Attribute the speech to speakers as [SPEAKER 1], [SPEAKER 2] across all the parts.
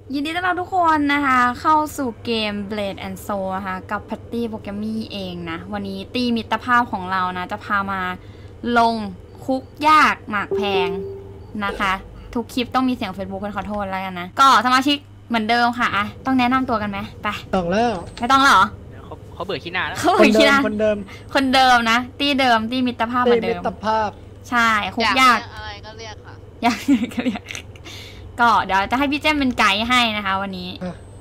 [SPEAKER 1] ยินดีต้อนรับทุกคนนะคะเข้าสู่เกม Blade and Soul นะคะกับแพตตี้โปรแกรมมี่เองนะวันนี้ตีมิตรภาพของเรานะจะพามาลงคุกยากหมากแพงนะคะทุกคลิปต้องมีเสียง Facebook กันขอโทษแล้วกันนะก็สมาชิกเหมือนเดิมค่ะอะต้องแนะนำตัวกันไหมไป
[SPEAKER 2] ต้องแล้ว
[SPEAKER 1] ไม่ต้องเหรอ
[SPEAKER 3] เขาเบื่อขี้หน้าแล้ว
[SPEAKER 1] เขาเบื่อขี้หน้า
[SPEAKER 2] คนเดิม
[SPEAKER 1] นะตีเดิมตีมิตรภาพเหมือนเดิม
[SPEAKER 2] มิตรภาพ
[SPEAKER 1] ใช่คุกยาก
[SPEAKER 4] อะไรก็เรียกค่ะ
[SPEAKER 1] อยากก็เรียกก็เดี๋ยวจะให้พี่เจมเป็นไกด์ให้นะคะวันนี้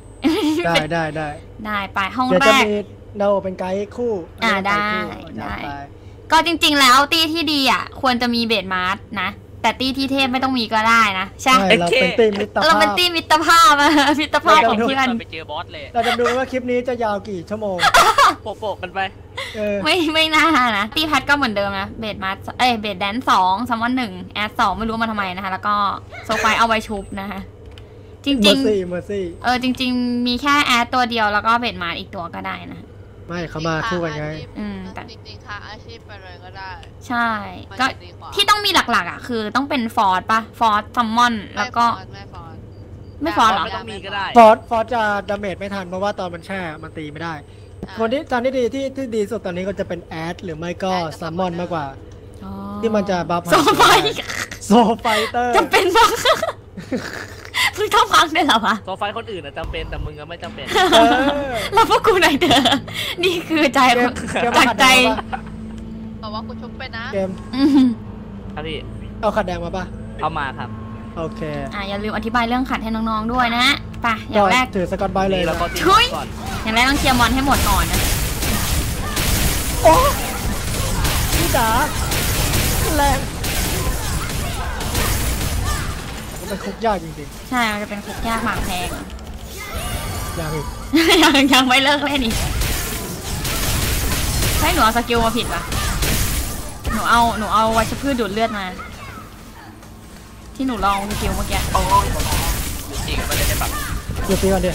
[SPEAKER 2] ได้
[SPEAKER 1] ไปห้องแรก
[SPEAKER 2] เดี๋ยวจะมีเราเป็นไกด์คู่
[SPEAKER 1] ได้ก็จริงๆแล้วตี้ที่ดีอ่ะควรจะมีเบดมาร์สนะแต่ตี้ที่เทพไม่ต้องมีก็ได้นะใช่
[SPEAKER 2] เราเป็นตี้มิตรภาพ
[SPEAKER 1] มิตรภาพของเพื่อน
[SPEAKER 3] ไปเจอบอสเลย
[SPEAKER 2] เราจะดูว่าคลิปนี้จะยาวกี่ชั่วโมง
[SPEAKER 3] โปะกันไป
[SPEAKER 1] ไม่น่านะตี้พัดก็เหมือนเดิมนะเบดมาร์สเบดแดน2ซัมมอน1แอด2ไม่รู้มาทำไมนะคะแล้วก็โซไฟเอาไว้ชุบนะคะจริง
[SPEAKER 2] เมอร์ซี่
[SPEAKER 1] จริงๆมีแค่แอดตัวเดียวแล้วก็เบดมาร์อีกตัวก็ได้นะ
[SPEAKER 2] ไม่เขามาคู่กันไง
[SPEAKER 4] แต่จริงๆค่ะอาชีพไปเลยก็ได้
[SPEAKER 1] ใช่ก็ที่ต้องมีหลักๆอ่ะคือต้องเป็นฟอร์ดปะฟอร์ดซัมมอนแล้วก็ไม่ฟอร์ดหรอ
[SPEAKER 3] ไม่ต้องมีก็ได้
[SPEAKER 2] ฟอร์ดจะดาเมจไม่ทันเพราะว่าตอนมันแช่มันตีไม่ได้คนที่ตอนที่ดีที่ดีสุดตอนนี้ก็จะเป็นแอดหรือไม่ก็ซัมมอนมากกว่าที่มันจะบัฟ
[SPEAKER 1] โซไฟ
[SPEAKER 2] เตอร์
[SPEAKER 1] จำเป็นมากเพิ่งต้องพักได้หรอวะ
[SPEAKER 3] โซไฟคนอื่นจำเป็นแต่มึงก็ไม่จำเป็น
[SPEAKER 1] แล้วพวกกูไหนเธอนี่คือใจจากใจ
[SPEAKER 4] บอกว่ากูชุบไปนะ
[SPEAKER 2] เกม
[SPEAKER 3] ครับพี่
[SPEAKER 2] เอาขัดแดงมาปะ
[SPEAKER 3] เอามาครับ
[SPEAKER 2] โอเค
[SPEAKER 1] อย่าลืมอธิบายเรื่องขัดให้น้องๆด้วยนะไปอย่างแรก
[SPEAKER 2] ถือสกอตไบเลย
[SPEAKER 3] แล้วก็
[SPEAKER 1] ช่วยอย่างแรกต้องเคลียร์มอนให้หมดก่อนนะ
[SPEAKER 2] โอ้พี่จ๋าแรงมันเป็นคุกยากจริง
[SPEAKER 1] ๆใช่มันจะเป็นคุกยากหมากแพง
[SPEAKER 2] ยัง
[SPEAKER 1] ไม่เลิกเล่นอีกใช่หนูเอาสกิลมาผิดปะหนูเอาวัชพืชดูดเลือดมาที่หนูลองสกิลเมื่อกี้
[SPEAKER 3] จริงมันเลยได้ปะ
[SPEAKER 2] หยุดตีก่อนดิ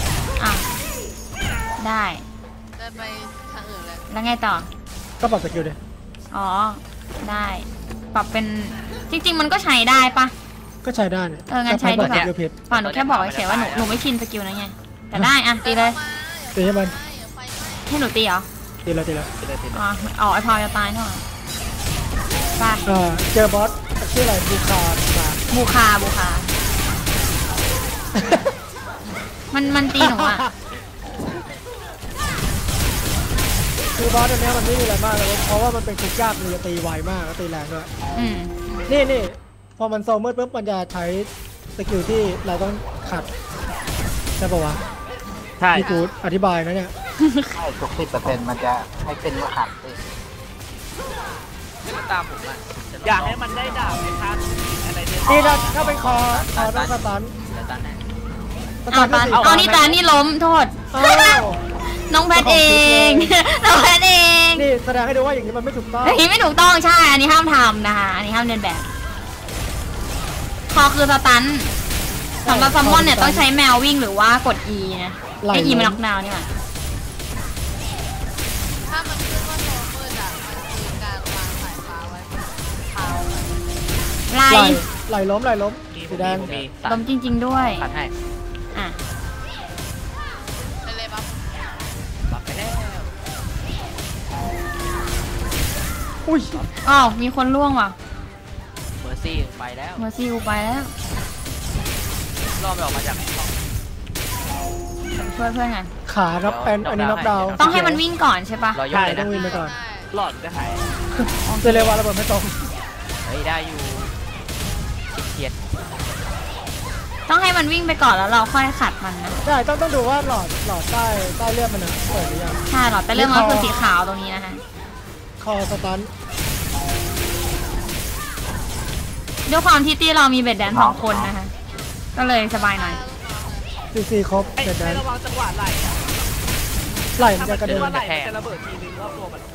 [SPEAKER 1] ได้
[SPEAKER 4] ไปทางอื่นเลย
[SPEAKER 1] แล้วไงต่อ
[SPEAKER 2] ก็ปรับสกิลดิ
[SPEAKER 1] อ๋อได้ปรับเป็นจริงๆมันก็ใช้ได้ปะ
[SPEAKER 2] ก็ใช้ได้
[SPEAKER 1] งั้นใช้ดีกว่าป่ะหนูแค่บอกเฉยว่าหนูไม่ชินสกิลนะไงแต่ได้ตีเลย
[SPEAKER 2] ตีให้มัน
[SPEAKER 1] ให้หนูตีเหรอ
[SPEAKER 2] ตีแล้ว
[SPEAKER 1] อ๋อไอพาวจะตายเนาะไป
[SPEAKER 2] เจอบอสชื่ออะไรบูคา
[SPEAKER 1] มันตีหนูอ่ะ
[SPEAKER 2] คือบอสตัวนี้มันไม่มีอะไรมากเลยเพราะว่ามันเป็นคุกยากมันจะตีไวมากแล้วตีแรงด้วยนี่พอมันโซมืดปุ๊บมันจะใช้สกิลที่เราต้องขัดใช่ปะวะ
[SPEAKER 3] ใช่
[SPEAKER 2] ที่กูอธิบายนะเนี่ย
[SPEAKER 5] ใช่ทุก10%มันจะให้เป็นเมื่อขัด
[SPEAKER 3] ให้มันตามผมอ่ะอยากให้มันได้ดาบในท่านอะไรเนี่ย
[SPEAKER 2] นี่ถ้าเป็นคอต้องสตัน
[SPEAKER 1] เอานี่ตานี่ล้มโทษน้องแพทเอง
[SPEAKER 2] นี่แสดงให้ดูว่าอย่างนี้มันไม่ถูกต้อง
[SPEAKER 1] อย่างนี้ไม่ถูกต้องใช่อันนี้ห้ามทำนะคะอันนี้ห้ามเดินแบบคอคือสตันสำหรับซัมมอนเนี่ยต้องใช้แมววิ่งหรือว่ากด E นะไอ E มันล็อกดาวน์นี่หว่า
[SPEAKER 4] ถ้ามันขึ้นว่าโซมืดอ่ะมันคือการวางสายฟ้าไว้
[SPEAKER 2] ไหลล้มสีแดง
[SPEAKER 1] ล้มจริงๆด้วย
[SPEAKER 3] ขัดให้
[SPEAKER 4] ไปเลยบั
[SPEAKER 3] ฟไปแล้ว
[SPEAKER 2] อุ้ย
[SPEAKER 1] มีคนล่วงว่ะ
[SPEAKER 3] เมอร์ซี่ไปแล้วรอบไปออกมาจาก
[SPEAKER 1] ช่วยเพื่อนกัน
[SPEAKER 2] ขาครับอันนี้น็อกดาวน์
[SPEAKER 1] ต้องให้มันวิ่งก่อนใช่ปะ
[SPEAKER 2] ใช่ต้องวิ่งไปก่อน
[SPEAKER 3] หลอดจะหาย
[SPEAKER 2] เจเลวาระเบิดไม่ตรง
[SPEAKER 3] ได้อยู่เกียด
[SPEAKER 1] ต้องให้มันวิ่งไปก่อนแล้วเราค่อยขัดมันนะ
[SPEAKER 2] ใช่ต้องดูว่าหลอดใต้เลือดมันเปิดหรือยัง
[SPEAKER 1] ใช่หลอดใต้เลือดมันคือสีขาวตรงนี้นะคะ
[SPEAKER 2] คอสตัน
[SPEAKER 1] ด้วยความที่ตี้เรามีเบ็ดแดน2 คนนะคะก็เลยสบายหน่อย
[SPEAKER 2] ซีครบเบ็ดแดน
[SPEAKER 3] ระวังจังหวะ
[SPEAKER 2] ไหลมันจะกระเด็น
[SPEAKER 3] จะระเบิดทีนึงรอบตัวมัน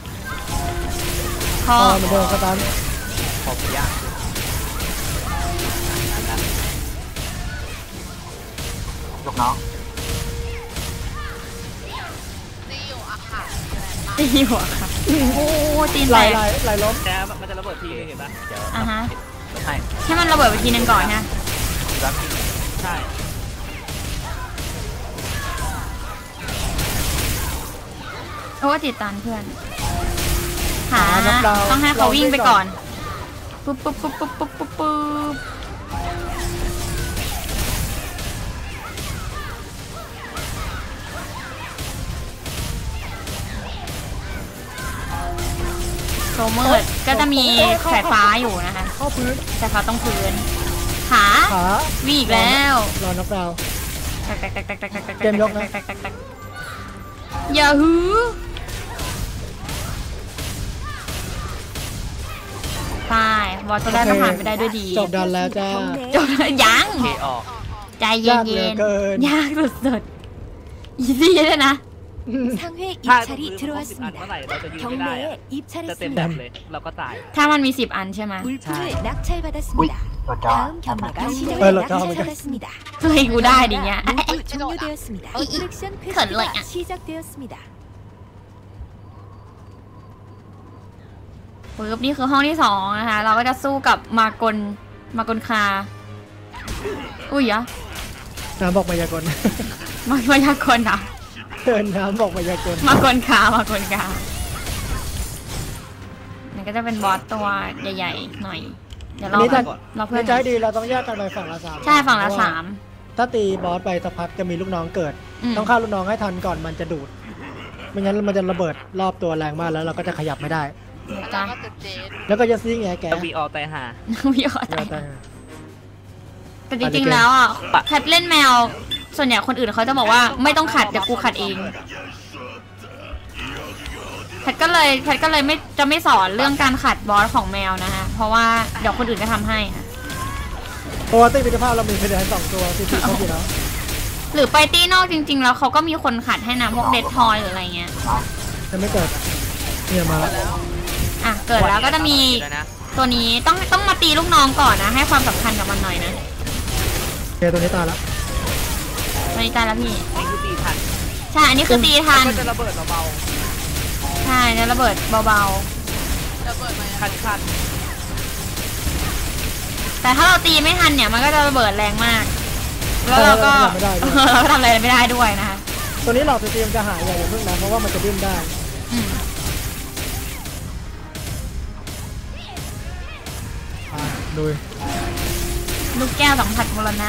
[SPEAKER 2] คอมันโดนสตัน
[SPEAKER 3] ขอบยาก
[SPEAKER 5] ลูกน้อง
[SPEAKER 4] ตีอยู่อะค่ะ
[SPEAKER 1] โอ้ตีน
[SPEAKER 2] ไหลล้ม
[SPEAKER 3] แต่มันจะระเบิดทีนึงเห็นปะ
[SPEAKER 1] ให้มันระเบิดไปทีนึงก่อนนะ
[SPEAKER 3] ใช่
[SPEAKER 1] ราะว่าติดตันเพื่อนหา
[SPEAKER 2] น็อกดาวน์
[SPEAKER 1] ต้องให้เขาวิ่งไปก่อนปุ๊บปุ๊บปุ๊บปุ๊บปุ๊บปุ๊บปุ๊บโซเมอร์ก็จะมีสายฟ้าอยู่นะคะ
[SPEAKER 2] เข้าพื้น
[SPEAKER 1] สายฟ้าต้องพื้นขา
[SPEAKER 2] ขา
[SPEAKER 1] วิ่งอีกแล้ว
[SPEAKER 2] รอน็อกดาวน์
[SPEAKER 1] เกมยกนะอย่าฮือตายวอลตัวแรกก็ผ่านไปได้ด้วยดี
[SPEAKER 2] จบดันแล้วจ้า
[SPEAKER 1] จบแล้วยัง
[SPEAKER 3] เคออก
[SPEAKER 1] ใจเย็
[SPEAKER 2] ยากเหลือน เกิน
[SPEAKER 1] ๆยากสุดๆอีซี่เลยนะ
[SPEAKER 6] 상회
[SPEAKER 3] ถ้า
[SPEAKER 6] 입찰이
[SPEAKER 3] 10 อันเมื่อ
[SPEAKER 6] 들어왔습니다.
[SPEAKER 3] ไหร่เราจะยืนไม่ได้อะ
[SPEAKER 6] 경매에
[SPEAKER 3] จะเต็มแบบ
[SPEAKER 6] 입찰했습니다.
[SPEAKER 3] เลยเราก็ตาย
[SPEAKER 1] ถ้ามันมี10 อันใช่ไหม
[SPEAKER 6] 물품을
[SPEAKER 5] อุ้ย
[SPEAKER 6] 낙찰받았습니다.
[SPEAKER 5] รถจอด
[SPEAKER 6] 다음 경매가 시작을
[SPEAKER 2] 어,
[SPEAKER 6] 낙찰받았습니다.
[SPEAKER 1] เฮ้ยกูได้ดิเงี้ย
[SPEAKER 6] 모두 종료되었습니다. 어트랙션
[SPEAKER 1] 걸러야.
[SPEAKER 6] 퀘스트가 시작되었습니다.
[SPEAKER 1] ปึ๊บนี่คือห้องที่2นะคะ เราก็จะสู้กับมากลคา อุ้ยอะ
[SPEAKER 2] น้ำบอกมายากล
[SPEAKER 1] มายากลอ่ะ
[SPEAKER 2] เดินน้ำบอกมายากล
[SPEAKER 1] มากลคมันก็จะเป็นบอสตัวใหญ่ๆหน่อย เดี๋ยว
[SPEAKER 2] อันนี้ถ้า
[SPEAKER 1] เราเพื่อน
[SPEAKER 2] ในใจดีเราต้องแยกกันไปฝั่งละ3
[SPEAKER 1] ใช่ฝั่งละ
[SPEAKER 2] เพราว่าถ้าตีบอสไปสักพักจะมีลูกน้องเกิด
[SPEAKER 1] 3
[SPEAKER 2] ต้องฆ่าลูกน้องให้ทันก่อนมันจะดูด ไม่งั้นมันจะระเบิดรอบตัวแรงมากแล้วเราก็จะขยับไม่ได้
[SPEAKER 1] จ้า
[SPEAKER 4] แล้วก็ติดเจน
[SPEAKER 2] แล้วก็จะซิ่งแงแก
[SPEAKER 3] จะวีออตายหา
[SPEAKER 1] พี่ขอ
[SPEAKER 2] เดี๋ยว
[SPEAKER 1] ตา
[SPEAKER 2] แต่
[SPEAKER 1] ยแต่จริงๆแล้วอ่ะแคทเล่นแมว ส่วนใหญ่คนอื่นเขาจะบอกว่าไม่ต้องขัดเดี๋ยวกูขัดเองแพทก็เลยไม่สอนเรื่องการขัดบอสของแมวนะคะเพราะว่าเดี๋ยวคนอื่นจะทำให้ค่ะ
[SPEAKER 2] เพราะว่าตีมิตรภาพเรามีเพดาน2 ตัวตีเขาอยู่แล้ว
[SPEAKER 1] หรือไปตีนอกจริง ๆ แล้วเขาก็มีคนขัดให้นะพวกเดดทอยหรืออะไรเงี้ย
[SPEAKER 2] จะไม่เกิดเนี่ยมาแล้ว
[SPEAKER 1] อ่ะเกิดแล้วก็จะมีตัวนี้ต้องมาตีลูกน้องก่อนนะให้ความสำคัญกับมันหน่อยนะ
[SPEAKER 2] โอเคตัวนี้ตายแล้ว
[SPEAKER 1] ตัวนี้ตายแล้วพี่
[SPEAKER 3] นี่คือตีทัน
[SPEAKER 1] ใช่อันนี้คือตีทัน
[SPEAKER 3] ก็จะระเบิดเบา
[SPEAKER 1] ใช่จะระเบิดเบา
[SPEAKER 4] ระเบิดมา
[SPEAKER 3] ๆคัน
[SPEAKER 1] ๆแต่ถ้าเราตีไม่ทันเนี่ยมันก็จะระเบิดแรงมาก แล้วเราก็ เราก็ทำอะไรไม่ได้ด้วยนะคะ
[SPEAKER 2] ตัวนี้หลอดตีมันจะหายอย่าเพิ่งนะเพราะว่ามันจะดิ้นได้
[SPEAKER 1] อืม
[SPEAKER 2] ดู
[SPEAKER 1] ลูกแก้วสัมผัสมรณะ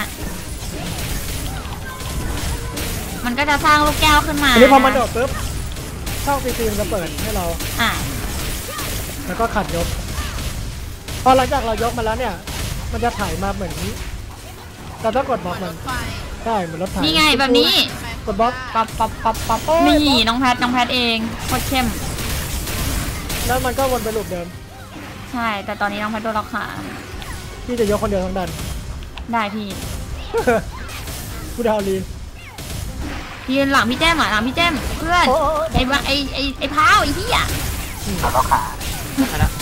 [SPEAKER 1] มันก็จะสร้างลูกแก้วขึ้นมา
[SPEAKER 2] อันนี้พอมันโดดปุ๊บช่องตีมันจะเปิดให้เรา
[SPEAKER 1] อ่ะ
[SPEAKER 2] แล้วก็ขัดยก พอหลังจากเรายกมาแล้วเนี่ย มันจะถ่ายมาเหมือนเราต้องกดบล็อกมัน
[SPEAKER 4] ไฟ
[SPEAKER 2] ได้เหมือนรถถ่าย
[SPEAKER 1] นี่ไงแบบนี้
[SPEAKER 2] กดบล็อก
[SPEAKER 1] ป๊อปนี่น้องแพทเองโคตรเข้ม
[SPEAKER 2] แล้วมันก็วนไปลูปเดิม
[SPEAKER 1] ใช่ แต่ตอนนี้น้องแพทโดนล็อกขา
[SPEAKER 2] พี่จะยกคนเดียวทั้งดัน
[SPEAKER 1] ได้พี่
[SPEAKER 2] กูดาวลี
[SPEAKER 1] ยืนหลังพี่แจ้มอ่ะหลังพี่แจ้มเพื่อน
[SPEAKER 2] โอ้
[SPEAKER 1] ไอ้บ้าไอ้พร้าวไอ้พี่อ่ะ
[SPEAKER 5] แล้วก็ขา
[SPEAKER 3] ๆนะ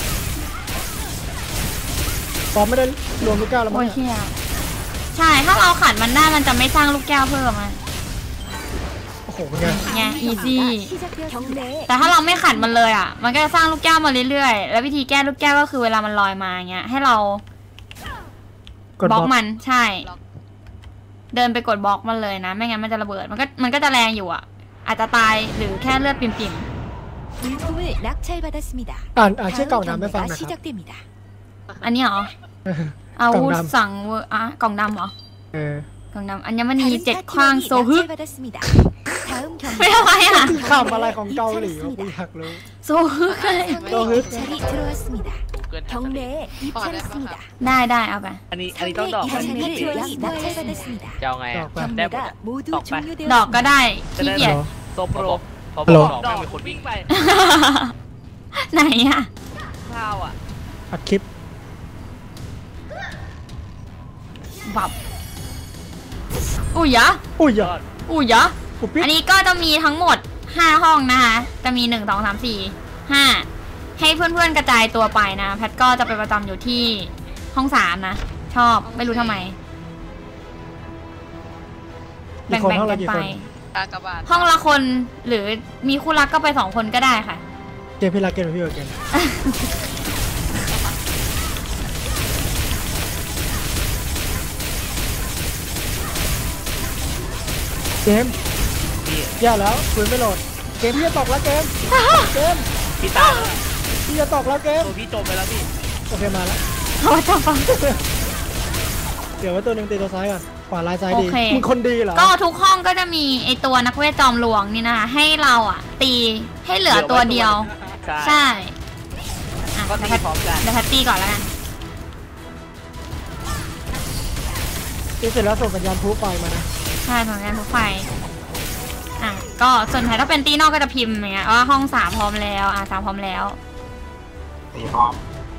[SPEAKER 2] ปอมไม่ได้รวมลูกแก้วแล้วมั้
[SPEAKER 1] โอ้
[SPEAKER 2] ง
[SPEAKER 1] ย
[SPEAKER 2] เนี่ย
[SPEAKER 1] เชี่ยใช่ถ้าเราขัดมันได้มันจะไม่สร้างลูกแก้วเพิ่มอ่ะ
[SPEAKER 2] โอ้โหเป็นไง
[SPEAKER 1] ไงอีซี่
[SPEAKER 6] 시작되었습니다.
[SPEAKER 1] แต่ถ้าเราไม่ขัดมันเลยอ่ะ มันก็จะสร้างลูกแก้วมาเรื่อยๆ แล้ววิธีแก้ลูกแก้วก็คือเวลามันลอยมาเงี้ยให้เรา
[SPEAKER 2] กด
[SPEAKER 1] บบ ล็
[SPEAKER 2] ล็
[SPEAKER 1] อ
[SPEAKER 2] อก ก
[SPEAKER 1] มันใช่ เดินไปกดบล็อกมันเลยนะ ไม่งั้นมันจะระเบิดมันก็จะแรงอยู่อ่ะ อาจจะตายหรือแค่เลือดปิ่ม
[SPEAKER 6] 물품을 낙찰받았습니다.
[SPEAKER 2] อ่านชื่อกล่อง
[SPEAKER 6] 다음
[SPEAKER 2] น้ำไม่ฟัง
[SPEAKER 6] 경매가
[SPEAKER 2] นะครับ
[SPEAKER 6] 시작됩니다.
[SPEAKER 1] ๆอันนี้เหรออาวุธ
[SPEAKER 2] กล่องดำ
[SPEAKER 1] สั่งเวอร์อะกล่องดำเหรอ
[SPEAKER 2] เออก
[SPEAKER 1] ล่องดำอัญมณี
[SPEAKER 6] 다른
[SPEAKER 1] 7 ขว้าง
[SPEAKER 6] 파티원이
[SPEAKER 1] โซฮึ
[SPEAKER 6] 낙찰받았습니다. 다음
[SPEAKER 1] ไม่
[SPEAKER 6] 경매
[SPEAKER 1] ทำไมอ่ะ
[SPEAKER 2] คำอะไรของเกาหลีวะกูอยากรู้
[SPEAKER 1] โซฮึเลย
[SPEAKER 6] 상회 입찰이 들어왔습니다.
[SPEAKER 3] เกิน
[SPEAKER 6] 경매에 입찰했습니다.
[SPEAKER 1] ได้เอาไป
[SPEAKER 3] อันนี้ต้อง
[SPEAKER 6] 상회
[SPEAKER 3] ดอกไหม
[SPEAKER 6] 입찰 파티원이 낙찰받았습니다.
[SPEAKER 3] จะเอาไง
[SPEAKER 2] ดอ
[SPEAKER 3] อ่ะ
[SPEAKER 2] กไป
[SPEAKER 3] ได้หมด
[SPEAKER 6] 경매가
[SPEAKER 3] อ่ะ
[SPEAKER 6] 모두
[SPEAKER 3] 덕 발.
[SPEAKER 1] ดอกก็
[SPEAKER 6] 종료되었습니다.
[SPEAKER 1] ได้ขี้เกียจ
[SPEAKER 3] โซโปรพอ
[SPEAKER 2] ฮัลโหล
[SPEAKER 3] ดอกมีคนวิ่งไป
[SPEAKER 1] ไหนอ่ะ
[SPEAKER 3] ข้าวอ่ะ
[SPEAKER 2] อัดคลิป
[SPEAKER 1] บับอุ้ยยะ
[SPEAKER 2] อุ้ยอย่า
[SPEAKER 1] อุ้ยยะ
[SPEAKER 2] กูปิ๊ด
[SPEAKER 1] อันนี้ก็จะมีทั้งหมด 5 ห้องนะคะ จะมี 1 2 3 4 5 ให้เพื่อนๆกระจายตัวไปนะ แพทก็จะไปประจำอยู่ที่ห้อง 3 นะ ชอบ ไม่รู้ทำไม
[SPEAKER 2] กี่คน
[SPEAKER 1] แบ่ง
[SPEAKER 2] ห้อง
[SPEAKER 1] ๆ
[SPEAKER 2] ละ
[SPEAKER 1] กัน
[SPEAKER 2] กี่
[SPEAKER 1] ไป
[SPEAKER 2] คน
[SPEAKER 4] กากบาท
[SPEAKER 1] ห้องละคนหรือมีคู่รักก็ไป 2 คนก็ได้ค่ะ
[SPEAKER 2] เกมพี่รักเกมพี่เออเกมเกมแย่แล้วปืนไม่โหลดเกมพี่จะตกแล้วเกม
[SPEAKER 3] พี่ตายแล้ว
[SPEAKER 2] พี่จะตกแล้วเกม
[SPEAKER 3] ตัวพี่จมไปแล้วพี่
[SPEAKER 2] โอเคมาแล้ว
[SPEAKER 1] เขาจะฟัง
[SPEAKER 2] เดี๋ยวไว้ตัวหนึ่งตีตัวซ้ายก่อนขวาลายซ้ายดี
[SPEAKER 1] โอเค
[SPEAKER 2] มึงคนดีเหรอ
[SPEAKER 1] ก็ทุกห้องก็จะมีไอตัวนักเวทจอมหลวงนี่นะคะให้เราอ่ะ ตีให้เหลือตัวเดียว
[SPEAKER 3] ใช่
[SPEAKER 1] ใช่อ่ะ
[SPEAKER 3] ก็ตีพร้อมกัน
[SPEAKER 1] เดี๋ยวแพตตี้ก่อนแล้วกัน
[SPEAKER 2] ตีเสร็จแล้วส่งสัญญาณพลุไฟมานะ
[SPEAKER 1] ใช่ของงานรถไฟอ่ะก็ส่วนใหญ่ถ้าเป็นตีนอกก็จะพิมพ์อย่างเงี้ยว่าห้อง3พร้อมแล้ว3พร้อมแล้ว
[SPEAKER 5] ตีพร้อม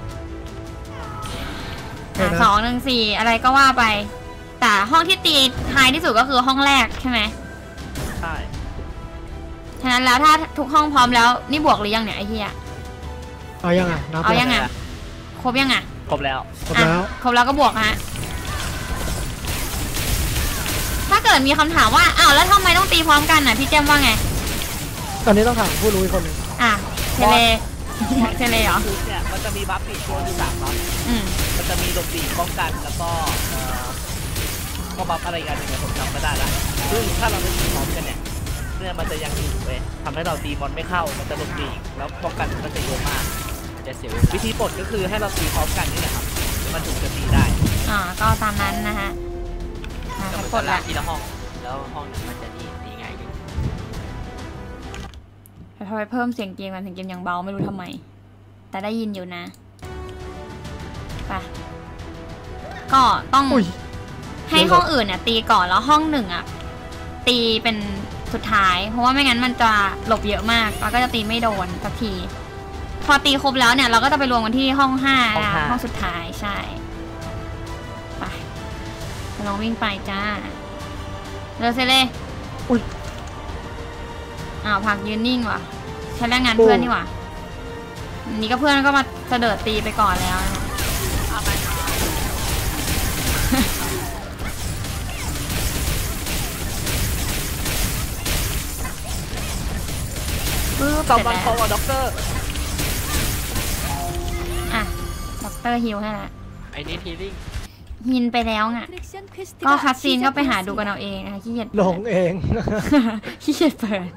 [SPEAKER 1] 2 1 4อะไรก็ว่าไปแต่ห้องที่ตีท้ายที่สุดก็คือห้องแรกใช่ไหม
[SPEAKER 3] ใช่
[SPEAKER 1] ฉะนั้นแล้วถ้าทุกห้องพร้อมแล้วนี่บวกหรือยังเนี่ยไอ้เหี้ย
[SPEAKER 2] เอายังอ่ะนับ
[SPEAKER 1] เอายังไงครบยังอ่ะ
[SPEAKER 3] ครบแล้ว
[SPEAKER 2] ครบแล้ว
[SPEAKER 1] ครบแล้วก็บวกฮะถ้าเกิดมีคำถามว่าอ้าวแล้วทำไมต้องตีพร้อมกันน่ะพี่แจ้มว่าไง
[SPEAKER 2] ตอนนี้ต้องถามผู้รู้อีกคนหนึ่ง
[SPEAKER 1] อ่ะเทเลเทเลเหรอ
[SPEAKER 3] ชุดเนี่ยมันจะมีบัฟปิดตัวอยู่3บัฟ มันจะมีหลบหลีกป้องกันแล้วก็บัฟอะไรกันอย่างเงี้ยผมจำไม่ได้ละซึ่งถ้าเราไม่ตีพร้อมกันเนี่ยมันจะยังอยู่เว้ยทำให้เราตีมอนไม่เข้ามันจะหลบหลีกแล้วป้องกันมันจะเยอะมากจะเสียเวลาวิธีปลดก็คือให้เราตีพร้อมกันนี่แหละครับมันถึงจะตีได้
[SPEAKER 1] ก็ตามนั้นนะฮะกดละ
[SPEAKER 7] ทีละห้องแล้วห้องนึงมันจะตีง่ายขึ้น
[SPEAKER 1] ทำไมเพิ่มเสียงเกมกันเสียงเกมยังเบาไม่รู้ทำไมแต่ได้ยินอยู่นะไปก็ต้อง
[SPEAKER 2] อุ้ย
[SPEAKER 1] ให้ห้องอื่นเนี่ยตีก่อนแล้วห้องหนึ่งอ่ะตีเป็นสุดท้ายเพราะว่าไม่งั้นมันจะหลบเยอะมากแล้วก็จะตีไม่โดนสักทีพอตีครบแล้วเนี่ยเราก็จะไปรวมกันที่ห้อง5นะห้องสุดท้ายใช่ไปลองวิ่งไปจ้าเร็วเซเล่
[SPEAKER 2] อุ้ย
[SPEAKER 1] พักยืนนิ่งว่ะใช้แรงงานเพื่อนนี่ว่ะนี่ก็เพื่อนก็มาเสดิร์ดตีไปก่อนแล้วนะคะ
[SPEAKER 3] ตอบมันพอกับด็อกเตอร์
[SPEAKER 1] อ่ะด็อกเตอร์ฮิวให้ละ
[SPEAKER 7] ไอ้นี่ทีลิ่ง
[SPEAKER 1] ฮินไปแล้วไงก็คัสซีนก็ไปหาดูกันเอาเองนะคะขี้เกียจ
[SPEAKER 2] หลงเอง
[SPEAKER 1] ขี้เกียจเปิด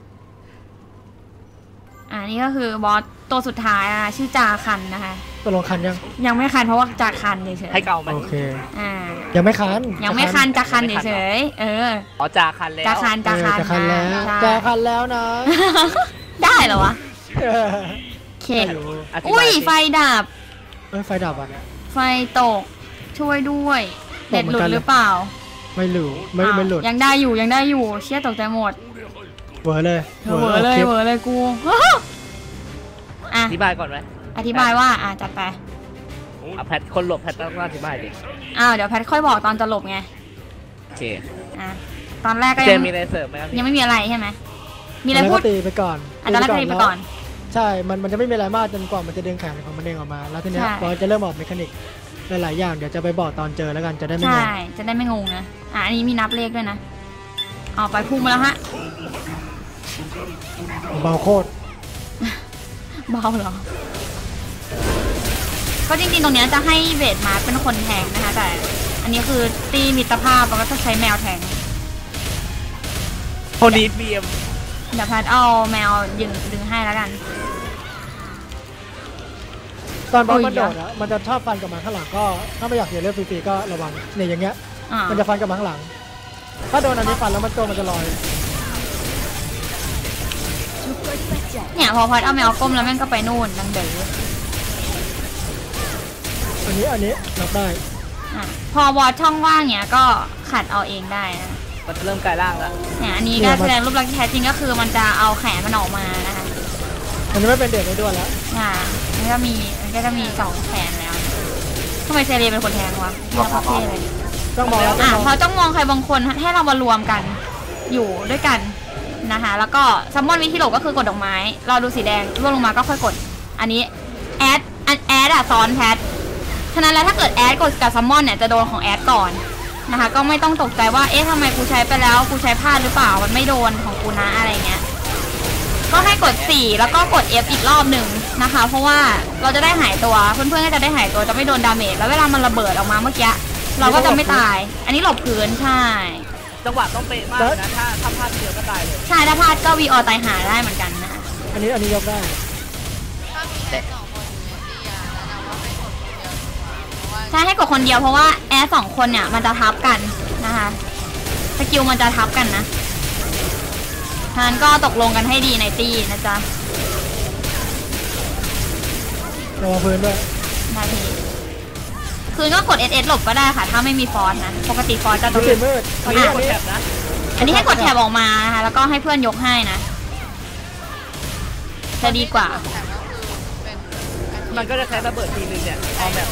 [SPEAKER 1] นี่ก็คือบอสตัวสุดท้ายชื่อจาคันนะคะ
[SPEAKER 2] ตัวลงคันยัง
[SPEAKER 1] ยังไม่คันเพราะว่าจาคันเฉยๆ
[SPEAKER 3] ให้เก่าไหม
[SPEAKER 2] โอเค
[SPEAKER 1] อ่า
[SPEAKER 2] ยังไม่คัน
[SPEAKER 1] ยังไม่คันจาคันเฉยๆ
[SPEAKER 3] อ๋อจาคันแล้ว
[SPEAKER 1] จาคัน
[SPEAKER 2] จะคันแล้ว
[SPEAKER 1] ใช่
[SPEAKER 2] จะคันแล้วนะ
[SPEAKER 1] ได้เหรอวะ
[SPEAKER 2] เออ
[SPEAKER 1] เค
[SPEAKER 2] ไม่รู้
[SPEAKER 1] อุ้ยไฟดับ
[SPEAKER 2] ไฟดับอ่ะ
[SPEAKER 1] ไฟตกช่วยด้วย
[SPEAKER 2] ต
[SPEAKER 1] เน็
[SPEAKER 2] ก
[SPEAKER 1] ต
[SPEAKER 2] เหมื
[SPEAKER 1] ห
[SPEAKER 2] อ
[SPEAKER 1] ลุ
[SPEAKER 2] นกั
[SPEAKER 1] ด
[SPEAKER 2] นเลย
[SPEAKER 1] หรือเปล่า
[SPEAKER 2] ไม่หลุดไม่หลุด
[SPEAKER 1] ยังได้อยู่เชี่ยตกใจหมด
[SPEAKER 2] เวอร์เลย
[SPEAKER 1] เหวอเลย
[SPEAKER 2] คลิป
[SPEAKER 1] เหวอเลยกูอ่ะ
[SPEAKER 3] อธิบายก่อนไหม
[SPEAKER 1] อธิบายว่าจัดไป
[SPEAKER 3] แพทคนหลบแพทต้องอธิบายดิ
[SPEAKER 1] เดี๋ยวแพทค่อยบอกตอนจะหลบไง
[SPEAKER 3] โอเค
[SPEAKER 1] ตอนแรกก็
[SPEAKER 3] เจ
[SPEAKER 1] ยัง
[SPEAKER 3] มีอะไรเสริมไหมครับ
[SPEAKER 1] ยังไม่มีอะไรใช่ไหมมีอะไรพูด
[SPEAKER 2] แล้วก็ตีไปก่อน
[SPEAKER 1] ตอนแรกก็ตีไปก่อน
[SPEAKER 2] ใช่ มันจะไม่มีอะไรมากจนกว่ามันจะดึงแขนของมันเองออกมา แล้วทีเนี้ย
[SPEAKER 1] ใช่
[SPEAKER 2] พอจะเริ่มออกเมคานิกหลายๆอย่างเดี๋ยวจะไปบอกตอนเจอแล้วกันจะได้ไม่ง
[SPEAKER 1] ใช่
[SPEAKER 2] ง
[SPEAKER 1] จะได้ไม่งงนะอันนี้มีนับเลขด้วยนะเอาไปพุ่งมาแล้วฮะ
[SPEAKER 2] เบาโคตร
[SPEAKER 1] เบาเหรอก็จริงๆตรงเนี้ยจะให้เวทมาเป็นคนแทงนะคะแต่อันนี้คือตีมิตรภาพแล้วก็จะใช้แมวแทง
[SPEAKER 3] คนนี้บีเอ็ม
[SPEAKER 1] เดี๋ยวแพทเอาแมวดึงให้แล้วกัน
[SPEAKER 2] ตอนบอล
[SPEAKER 1] อุ้ย
[SPEAKER 2] มันโดดอะมันจะชอบฟันกลับมาข้างหลังก็ถ้าไม่อยากเสียเลือดฟรีๆก็ระวังเนี่ยอย่างเงี้ย มันจะฟันกลับมาข้างหลัง ถ้าโดนอันนี้ฟันแล้วมันตัวมันจะลอย
[SPEAKER 1] เนี่ยพอพัดเอาแมวก้มแล้วแม่งก็ไปนู่นดังเด๋อ
[SPEAKER 2] อันนี้รับได้
[SPEAKER 1] พอวอดช่องว่างเนี่ยก็ขัดเอาเองได้นะ
[SPEAKER 3] มันจะเริ่มกลายร่างแล้ว
[SPEAKER 1] เนี่ยอันนี้ก็แสดงรูปลักษณ์ที่แท้จริงก็คือมันจะเอาแขนมันออกมานะคะ
[SPEAKER 2] มันจะไม่เป็นเด็กในด้วนแล้ว
[SPEAKER 1] มันก็จะมี2แขนแล้วทำไมเซเรียเป็นคนแทงวะไม่รับประเทศเลย
[SPEAKER 2] ต้องมองแล้วต้องมอง
[SPEAKER 1] พอจ้องมองใครบางคนให้เรามารวมกันอยู่ด้วยกันนะคะแล้วก็ซัมมอนวิธีหลบก็คือกดดอกไม้เราดูสีแดงร่วงลงมาก็ค่อยกดอันนี้แอดซ้อนแพทฉะนั้นแล้วถ้าเกิดแอดกดกับซัมมอนเนี่ยจะโดนของแอดก่อนนะคะก็ไม่ต้องตกใจว่าเอ๊ะทำไมกูใช้ไปแล้วกูใช้พลาดหรือเปล่ามันไม่โดนของกูนะอะไรเงี้ยก็ให้กด4แล้วก็กด F อีกรอบหนึ่งนะคะเพราะว่าเราจะได้หายตัวเพื่อนๆก็จะได้หายตัวจะไม่โดนดาเมจแล้วเวลามันระเบิดออกมาเมื่อกี้เราก็จะไม่ตายอันนี้หลบพื้นใช่
[SPEAKER 3] จังหวะต้องเป๊ะมากนะถ้าพลาดเดียวก็ตายเลย
[SPEAKER 1] ใช่ถ้าพลาดก็วีออตายหาได้เหมือนกันนะ
[SPEAKER 2] อันนี้ยกได้
[SPEAKER 4] ถ้ามีแค่สองคนอยู่ในตีอะแนะนำว่าให้กดคนเดียวดีกว่าเพราะว่า
[SPEAKER 1] ใช่ให้กดคนเดียวเพราะว่าแอร์2คนเนี่ยมันจะทับกันนะคะสกิลมันจะทับกันนะฉะนั้นก็ตกลงกันให้ดีในตีนะจ๊ะ
[SPEAKER 2] ระวังพื้นด้วย
[SPEAKER 1] ได้ทีคืนก็กด SS หลบก็ได้ค่ะ ถ้าไม่มีฟอนต์นะปกติฟอนต์จะโด
[SPEAKER 2] ดู
[SPEAKER 1] น
[SPEAKER 2] สิมืด
[SPEAKER 3] อันนี้กดแถบนะ
[SPEAKER 1] อันนี้ให้กดแถบออกมานะคะแล้วก็ให้เพื่อนยกให้นะจะดีกว่า
[SPEAKER 4] แต่ก็คือเป็น
[SPEAKER 3] มันก็จะใช้ระเบิดทีนึงเนี่ยเอาแบบ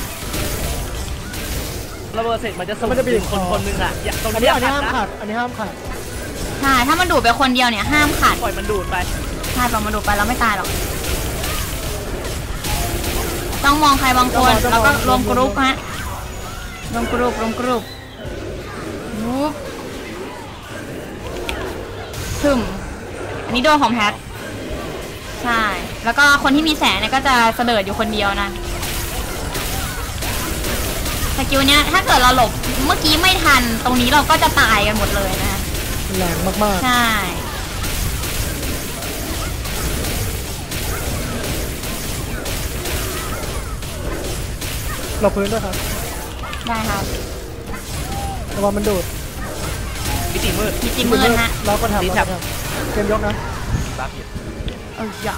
[SPEAKER 3] ระเบิดเสร็จมันจะส่งคนนึงอ่ะตรง
[SPEAKER 2] อัน
[SPEAKER 3] นี้
[SPEAKER 2] นี้
[SPEAKER 3] ขัด
[SPEAKER 2] ห้าม
[SPEAKER 3] นะ
[SPEAKER 2] ขัดอันนี้ห้ามขัด
[SPEAKER 1] ใช่ถ้ามันดูดไปคนเดียวเนี่ยห้ามขัด
[SPEAKER 3] ปล่อยมันดูดไป
[SPEAKER 1] ใช่ปล่อยมันดูดไปแล้วไม่ตายหรอกต้องมองใครบางคนแล้วก็รวมกรุ๊ปฮะรวมกรุ๊ปวุ๊บถึมอันนี้โดนของแพทใช่แล้วก็คนที่มีแสงเนี่ยก็จะเสดิร์ดอยู่คนเดียวนะสกิลเนี้ยถ้าเกิดเราหลบเมื่อกี้ไม่ทันตรงนี้เราก็จะตายกันหมดเลยนะ
[SPEAKER 2] แรงมาก
[SPEAKER 1] ใช่
[SPEAKER 2] ๆหลบพื้นด้วยครับ
[SPEAKER 1] ได้ครับ
[SPEAKER 2] ระวังมันดูด
[SPEAKER 3] มิติมืด
[SPEAKER 1] มีจิมมืดฮะ
[SPEAKER 2] เราก็ทำ
[SPEAKER 3] ตีแถบ
[SPEAKER 2] เกมยกนะ
[SPEAKER 3] บ้าผิด
[SPEAKER 1] อย่า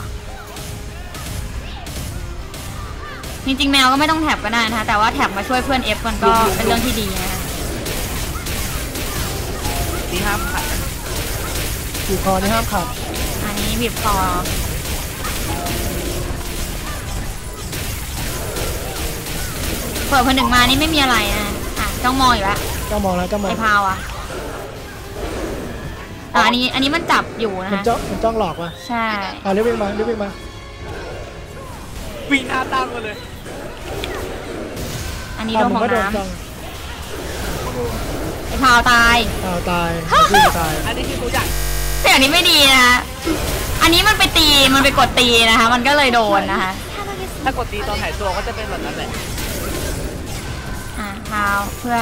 [SPEAKER 1] จริงๆแมวก็ไม่ต้องแท็บก็ได้นะคะแต่ว่าแท็บมาช่วยเพื่อน F มันก็เป็นเรื่องที่ดีนะคะ
[SPEAKER 3] ที่ห้ามขัด
[SPEAKER 2] ขี่คอนี่ห้ามขัด
[SPEAKER 1] อันนี้บีบคอเปิดคนหนึ่งมานี่ไม่มีอะไรนะอ่ะจ้องมองอยู่แล้ว
[SPEAKER 2] เจ้ามองแล้วเจ้ามอง
[SPEAKER 1] ไอ้พาวอ่ะอันนี้มันจับอยู่นะ
[SPEAKER 2] มัน
[SPEAKER 1] คะ
[SPEAKER 2] จ้องหลอกว่ะ
[SPEAKER 1] ใช่
[SPEAKER 2] เรียกวิ่งมา
[SPEAKER 3] วิ่งหน้าตั้งมาเลย
[SPEAKER 1] อันนี้โดน
[SPEAKER 2] มั
[SPEAKER 1] ของ
[SPEAKER 2] ก็โดน
[SPEAKER 1] น้
[SPEAKER 2] จ้อง
[SPEAKER 1] ำไอ้พาวตาย
[SPEAKER 2] ตายวิ่งตาย
[SPEAKER 3] อันนี้คือตัวอย่าง
[SPEAKER 1] แต่อันนี้ไม่ดีนะ อันนี้มันไปตี มันไปกดตีนะคะ มันก็เลยโดนนะคะ
[SPEAKER 3] ถ้ากดตีตอนหายตัวก็จะเป็นแบบนั้นแหละ
[SPEAKER 1] อ่ะพาวเพื่อน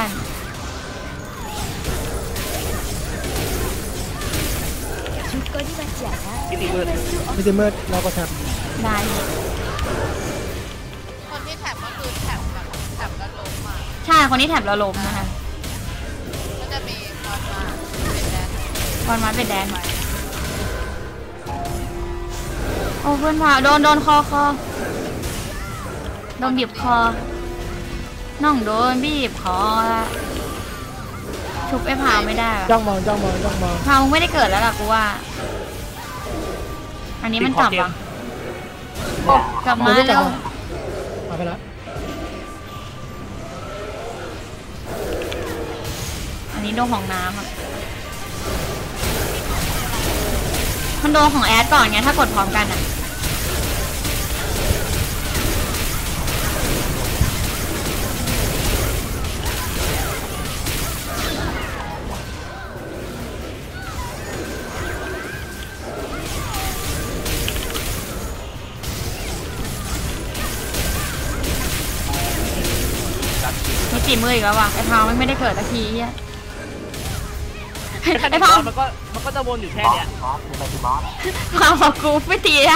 [SPEAKER 6] 조건이 맞지 않아
[SPEAKER 3] มิติมืด
[SPEAKER 2] มิติมืดเราก็แทบ
[SPEAKER 1] ได้
[SPEAKER 4] คนที่แท็บก็คือแท็บแบบแท็บแล้วล้มมา
[SPEAKER 1] ใช่คนที่แถบเราล้มนะคะ
[SPEAKER 4] ก็จะมีคอนมาเป็นแดน
[SPEAKER 1] คอนมาเป็นแดนโอ้เพื่อนพาวโดนคอโดนบีบคอ น้องโดนบีบคอละชุบไอ้พาวไม่ได้ว่ะ
[SPEAKER 2] จ้องมอง
[SPEAKER 1] พาวมึงไม่ได้เกิดแล้วล่ะกูว่า อันนี้มันจับว่ะกลับมาแล้ว
[SPEAKER 2] มาไปแล้ว
[SPEAKER 1] อันนี้โดนของน้ำอ่ะ มันโดนของแอดก่อนไงถ้ากดพร้อมกันอ่ะ มีจีมืออีกแล้วว่ะไอ้พาวไม่ได้เกิดสักทีอ่ะ ไอ้พาว
[SPEAKER 3] มันก็จะวนอยู่แค่เนี้ย
[SPEAKER 5] บอสเป็นอะไรที่บอส
[SPEAKER 1] พาวบอกกูไม่ตีอ่ะ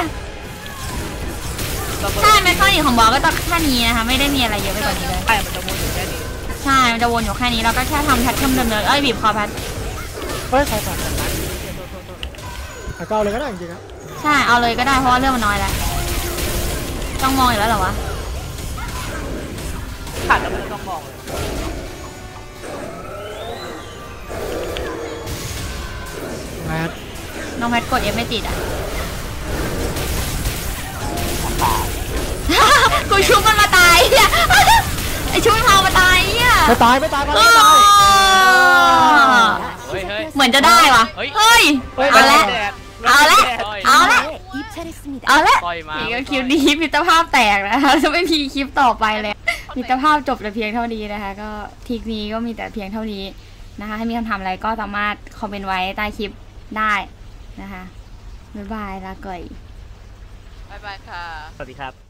[SPEAKER 1] ใช่แมคคานิกของบอสก็จะแค่นี้นะคะไม่ได้มีอะไรเยอะไปกว่านี้เลย
[SPEAKER 3] ใช่มันจะวนอยู่แค่นี้
[SPEAKER 1] ใช่ มันจะวนอยู่แค่นี้แล้วก็แค่ทำแพทเทิร์นเดิมเลยบีบคอแพท
[SPEAKER 2] เฮ้ยใครขัดก็เอาเลยก็ได้จริงๆครับ
[SPEAKER 1] ใช่ เอาเลยก็ได้เพราะว่าเรื่องมันน้อยแล้ว ต้องมองอยู่แล้วเหรอวะ
[SPEAKER 3] ขาดแล้วมันจะต้องมองเลย
[SPEAKER 2] แมท
[SPEAKER 1] น้องแพทกด F ไม่ติดอ่ะ กูชุบมันมาตายอ่ะ ไอชุบมันพามาตายอ่ะ
[SPEAKER 2] ไม่ตาย
[SPEAKER 7] เฮ้ย
[SPEAKER 1] เหมือนจะได้วะ
[SPEAKER 7] เฮ้ย
[SPEAKER 1] เฮ้ย เอาละ เอาละ เอาละ
[SPEAKER 6] 입찰했습니다.
[SPEAKER 1] เอาละ
[SPEAKER 7] ปล่อยมา
[SPEAKER 1] นี่ก็คลิปนี้มิตรภาพแตกนะคะจะไม่มีคลิปต่อไปเลยมิตรภาพจบแต่เพียงเท่านี้นะคะ ก็ทริกนี้ก็มีแต่เพียงเท่านี้นะคะ ถ้ามีคำถามอะไรก็สามารถคอมเมนต์ไว้ใต้คลิปได้นะคะบ๊ายบายลาก่อย
[SPEAKER 4] บ๊ายบายค่ะ
[SPEAKER 3] สวัสดีครับ